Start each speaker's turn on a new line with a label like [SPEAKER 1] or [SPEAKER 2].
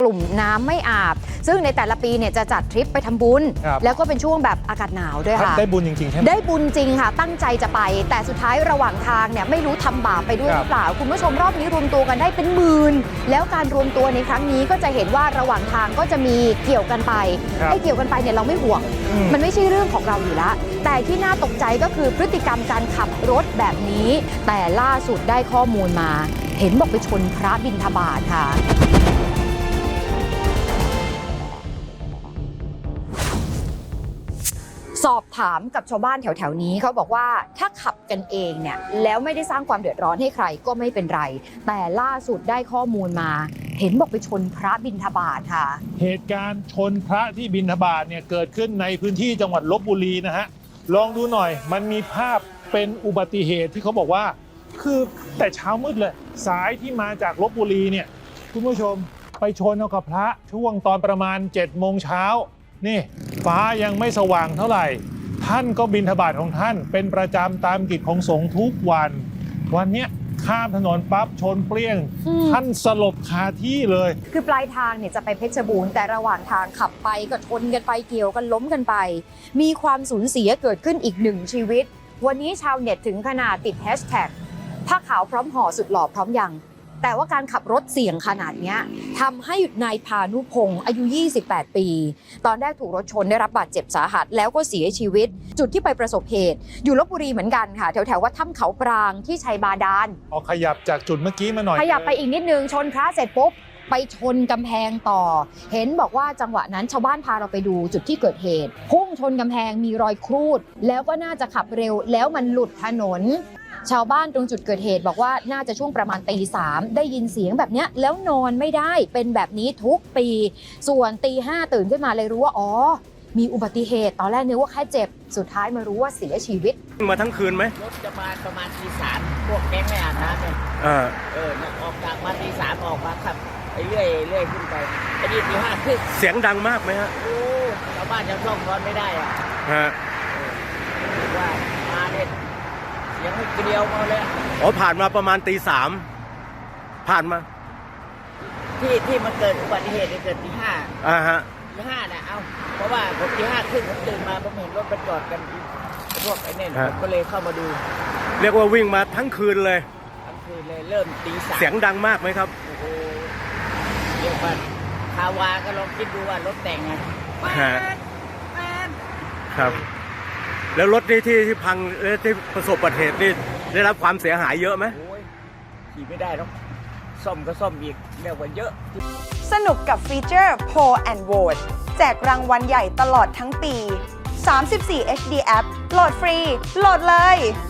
[SPEAKER 1] ลุ่มน้ำไม่อาบซึ่งในแต่ละปีเนี่ยจะจัดทริปไปทำบุญแล้วก็เป็นช่วงแบบอากาศหนาวด้วยค่ะ
[SPEAKER 2] ได้บุญจริงๆใช่ไหม
[SPEAKER 1] ได้บุญจริงค่ะตั้งใจจะไปแต่สุดท้ายระหว่างทางเนี่ยไม่รู้ทำบาปไปด้วยหรือเปล่าคุณผู้ชมรอบนี้รวมตัวกันได้เป็นหมื่นแล้วการรวมตัวในครั้งนี้ก็จะเห็นว่าระหว่างทางก็จะมีเกี่ยวกันไปไอ้เกี่ยวกันไปเนี่ยเราไม่ห่วงมันไม่ใช่เรื่องของเราอยู่แล้วแต่ที่น่าตกใจก็คือพฤติกรรมการขับรถแบบนี้แต่ล่าสุดได้ข้อมูลมาเห็นบอกไปชนพระบิณฑบาตค่ะสอบถามกับชาวบ้านแถวๆนี้เขาบอกว่าถ้าขับกันเองเนี่ยแล้วไม่ได้สร้างความเดือดร้อนให้ใครก็ไม่เป็นไรแต่ล่าสุดได้ข้อมูลมาเห็นบอกไปชนพระบิณฑบาตค่ะ
[SPEAKER 2] เหตุการณ์ชนพระที่บิณฑบาตเนี่ยเกิดขึ้นในพื้นที่จังหวัดลพบุรีนะฮะลองดูหน่อยมันมีภาพเป็นอุบัติเหตุที่เขาบอกว่าคือแต่เช้ามืดเลยสายที่มาจากลพบุรีเนี่ยคุณผู้ชมไปชนเอากับพระช่วงตอนประมาณ7 โมงเช้านี่ฟ้ายังไม่สว่างเท่าไหร่ท่านก็บิณฑบาตของท่านเป็นประจำตามกิจของสงฆ์ทุกวันเนี้ยข้ามถนนปั๊บชนเปรี้ยงท่านสลบคาที่เลย
[SPEAKER 1] คือปลายทางเนี่ยจะไปเพชรบูรณ์แต่ระหว่างทางขับไปก็ชนกันไปเกี่ยวกันล้มกันไปมีความสูญเสียเกิดขึ้นอีก1 ชีวิตวันนี้ชาวเน็ตถึงขนาดติดแฮชแท็กผ้าขาวพร้อมห่อสุดหล่อพร้อมยังแต่ว่าการขับรถเสี่ยงขนาดนี้ทำให้นายพานุพงศ์อายุ28 ปีตอนแรกถูกรถชนได้รับบาดเจ็บสาหัสแล้วก็เสียชีวิตจุดที่ไปประสบเหตุอยู่ลพบุรีเหมือนกันค่ะแถววัดถ้ำเขาปรางที่ชัยบาดาล
[SPEAKER 2] ขยับจากจุดเมื่อกี้มาหน่อย
[SPEAKER 1] ขยับไปอีกนิดนึงชนพระเสร็จปุ๊บไปชนกำแพงต่อเห็นบอกว่าจังหวะนั้นชาวบ้านพาเราไปดูจุดที่เกิดเหตุพุ่งชนกำแพงมีรอยครูดแล้วก็น่าจะขับเร็วแล้วมันหลุดถนนชาวบ้านตรงจุดเกิดเหตุบอกว่าน่าจะช่วงประมาณตี 3ได้ยินเสียงแบบนี้แล้วนอนไม่ได้เป็นแบบนี้ทุกปีส่วนตี 5ตื่นขึ้นมาเลยรู้ว่าอ๋อมีอุบัติเหตุตอนแรกนึกว่าแค่เจ็บสุดท้ายมารู้ว่าเสียชีวิต
[SPEAKER 3] มาทั้งคืนไหม
[SPEAKER 4] รถจะมาประมาณตี 3พวกแก๊งไม่อาบน้ำเนี่ยออกจากมาตี 3ออกมาขับไปเรื่อยขึ้นไปไปดีตี 5 ครึ่ง
[SPEAKER 3] เสียงดังมากไหมฮะ
[SPEAKER 4] โอ้ชาวบ้านยังท่องร้อนไม่ได้อ่ะว่ามาเนี่ยยังไม่เดียวมาเลย
[SPEAKER 3] ผ่านมาประมาณตี 3ผ่านมา
[SPEAKER 4] ที่มันเกิดอุบัติเหตุเกิดตี 5
[SPEAKER 3] ฮะ
[SPEAKER 4] ตี 5นะเพราะว่าผมตี 5 ครึ่งผมตื่นมาผมเห็นรถมันจอดกันพวกไอ้เนี่ยผมก็เลยเข้ามาดู
[SPEAKER 3] เรียกว่าวิ่งมาทั้งคืนเลย
[SPEAKER 4] เริ่มตี 3
[SPEAKER 3] เสียงดังมากไหมครับ
[SPEAKER 4] โอ้โหเรียกว่าคาวาก็ลองคิดดูว่ารถแต่งไง
[SPEAKER 3] ครับแล้วรถที่พังที่ประสบอุบัติเหตุนี่ได้รับความเสียหายเยอะไหม
[SPEAKER 4] โอ้ยขี่ไม่ได้หรอกซ่อมก็ซ่อมอีกเรียกว่าเยอะ
[SPEAKER 5] สนุกกับฟีเจอร์ Poll and Vote แจกรางวัลใหญ่ตลอดทั้งปี34 HD App โหลดฟรีโหลดเลย